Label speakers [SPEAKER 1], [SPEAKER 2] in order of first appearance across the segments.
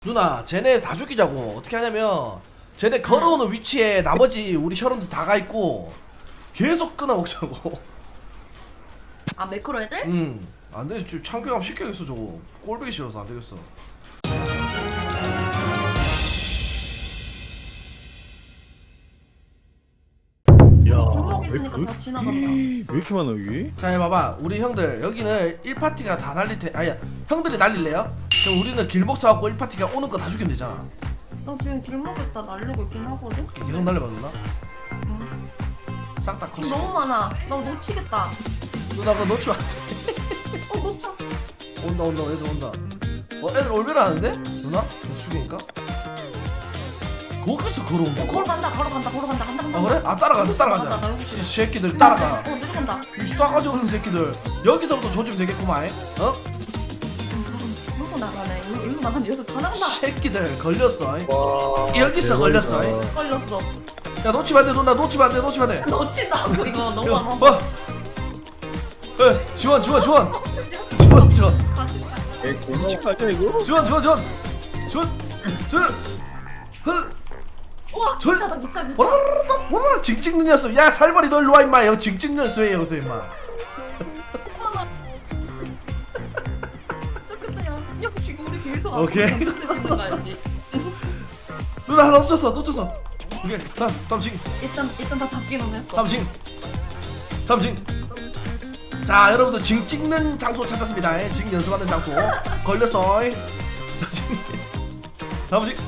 [SPEAKER 1] 누나 쟤네 다 죽이자고. 어떻게 하냐면 쟤네 걸어오는 위치에 나머지 우리 혈원들 다 가있고 계속 끊어먹자고.
[SPEAKER 2] 아 매크로 애들?
[SPEAKER 1] 안되지. 좀 참교감 시켜야겠어. 저거 꼴보기 싫어서 안되겠어.
[SPEAKER 2] 골목 있으니까 다 지나간다.
[SPEAKER 3] 왜 이렇게 많아 여기?
[SPEAKER 1] 자 봐봐 우리 형들 여기는 1파티가 다 날릴 테 아야 형들이 날릴래요? 그럼 우리는 길목 서갖고 1파티가 오는 거 다 죽이면 되잖아.
[SPEAKER 2] 나 지금 길목에다 날리고 있긴 하거든?
[SPEAKER 1] 계속 날려봐 누나. 싹 다
[SPEAKER 2] 지금
[SPEAKER 1] 컷이.
[SPEAKER 2] 너무 많아. 나 놓치겠다.
[SPEAKER 1] 누나 그거 놓치면 안돼.
[SPEAKER 2] 놓쳐.
[SPEAKER 1] 온다 애들 온다. 애들 올베라 하는데? 누나? 계속 죽이니까? 거기서 걸어온다고?
[SPEAKER 2] 걸어간다. 간다.
[SPEAKER 1] 아 그래? 아 따라가자. 이 새끼들 따라가.
[SPEAKER 2] 내려간다.
[SPEAKER 1] 이 싸가지 없는 새끼들. 여기서부터 조지면 되겠구만. 어?
[SPEAKER 2] 누구 나가네. 일로 나가네. 여기서 다 나간다.
[SPEAKER 1] 새끼들 걸렸어.
[SPEAKER 3] 와
[SPEAKER 1] 여기서 걸렸어.
[SPEAKER 2] 걸렸어.
[SPEAKER 1] 야 놓치면 안돼 누나. 놓치면 안돼.
[SPEAKER 2] 놓친다고 이거 너무
[SPEAKER 1] 야,
[SPEAKER 2] 많아.
[SPEAKER 1] 지원.
[SPEAKER 2] 같이 가.
[SPEAKER 3] 애 공식 아니야 이거?
[SPEAKER 1] 지원.
[SPEAKER 2] 우와 기차다 기차.
[SPEAKER 1] 뭐라 징찍는 녀석. 야 살벌이 너 일로와 임마. 여기 징찍는 녀석 왜 여기서 임마.
[SPEAKER 2] 저 근데 야 지금 우리 계속
[SPEAKER 1] 오케이.
[SPEAKER 2] 찍는 거 알지?
[SPEAKER 1] 누나 하나 놓쳤어. 오케이 다음 징.
[SPEAKER 2] 일단 다 잡기는 했어.
[SPEAKER 1] 다음 징. 자 여러분들 징 찍는 장소 찾았습니다. 징 연습하는 장소. 걸렸어. 자 징. 다음 징.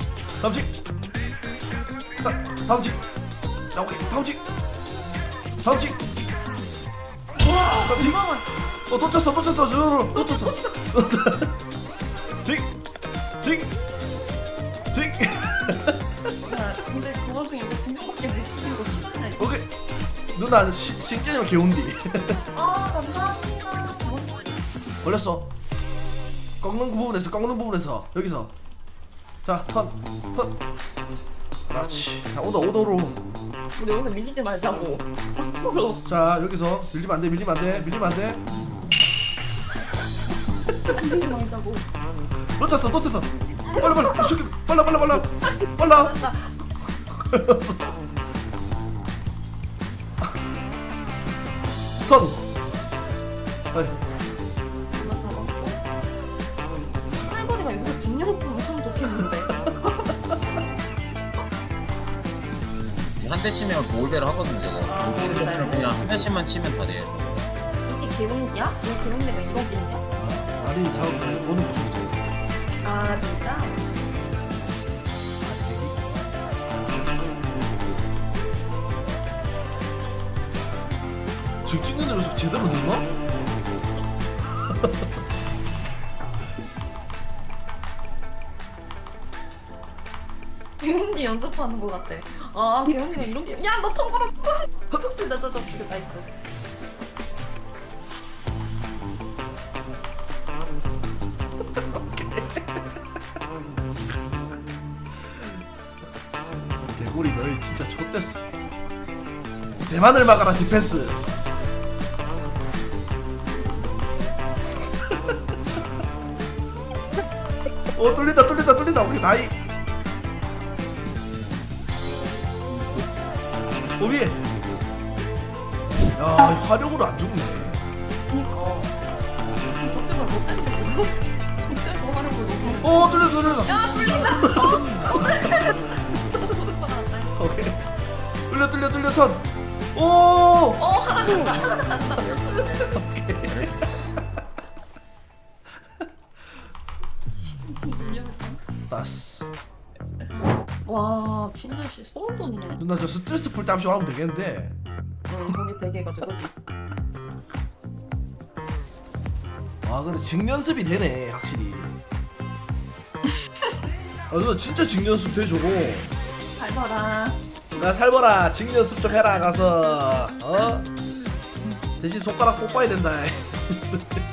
[SPEAKER 1] 자 다음 징. 자 오케이 다음 징.
[SPEAKER 2] 와
[SPEAKER 1] 징.
[SPEAKER 2] 잠깐만.
[SPEAKER 1] 놓쳤어. 징.
[SPEAKER 2] 야 근데 그 와중에 이거 분명밖에 못 죽이는 거 시간이야 이거.
[SPEAKER 1] 오케이. 누나 신기하면 개운디.
[SPEAKER 2] 아 감사합니다.
[SPEAKER 1] 걸렸어. 꺾는 부분에서 여기서. 자 턴. 그렇지. 자 오더로.
[SPEAKER 2] 우리 여기서 밀리지 말자고. 앞으로.
[SPEAKER 1] 자 여기서 밀리면 안돼.
[SPEAKER 2] 밀리지 말자고.
[SPEAKER 1] 놓쳤어. 빨리. 이 새끼 빨라.
[SPEAKER 2] 맞다.
[SPEAKER 1] 걸렸어. 턴. 아이.
[SPEAKER 2] 하나 잡았고. 할머니가 여기서 징용했으면 참 좋겠는데.
[SPEAKER 4] 한 대 치면 골배를 하거든 저거.
[SPEAKER 2] 골배를?
[SPEAKER 4] 그냥 한 대씩만 치면 다 돼.
[SPEAKER 2] 이게 개롱이야? 왜 개롱내가 이런 게 있냐?
[SPEAKER 1] 아니 사업 오는 거 좋지.
[SPEAKER 2] 아 진짜?
[SPEAKER 1] 지금 찍는 대로 제대로 됐나?
[SPEAKER 2] 개롱이 연습하는 거 같아. 아 개롱이가 이런 게. 야너 통과로. 나죽였다 했어.
[SPEAKER 1] 개구리 너희 진짜 좆됐어. 대만을 막아라 디펜스. 뚫린다. 오케이 나이. 위에. 야 화력으로 안 죽네.
[SPEAKER 2] 그니까. 저때만 더 센데 이거. 저때만 하는 걸 너무.
[SPEAKER 1] 뚫린다.
[SPEAKER 2] 야 뚫린다.
[SPEAKER 1] 오케이. 뚫려 턴.
[SPEAKER 2] 하나 났다.
[SPEAKER 1] 나스.
[SPEAKER 2] 와 진짜 씨 소름 돋네.
[SPEAKER 1] 누나 저 스트레스 풀 때 한 번 하면 되겠는데.
[SPEAKER 2] 거기 베개 해가지고 그지.
[SPEAKER 1] 와 근데 직 연습이 되네 확실히. 아 누나 진짜 직 연습 돼 저거.
[SPEAKER 2] 잘 봐라.
[SPEAKER 1] 나 살벌아 직 연습 좀 해라 가서. 대신 손가락 뽑아야 된다.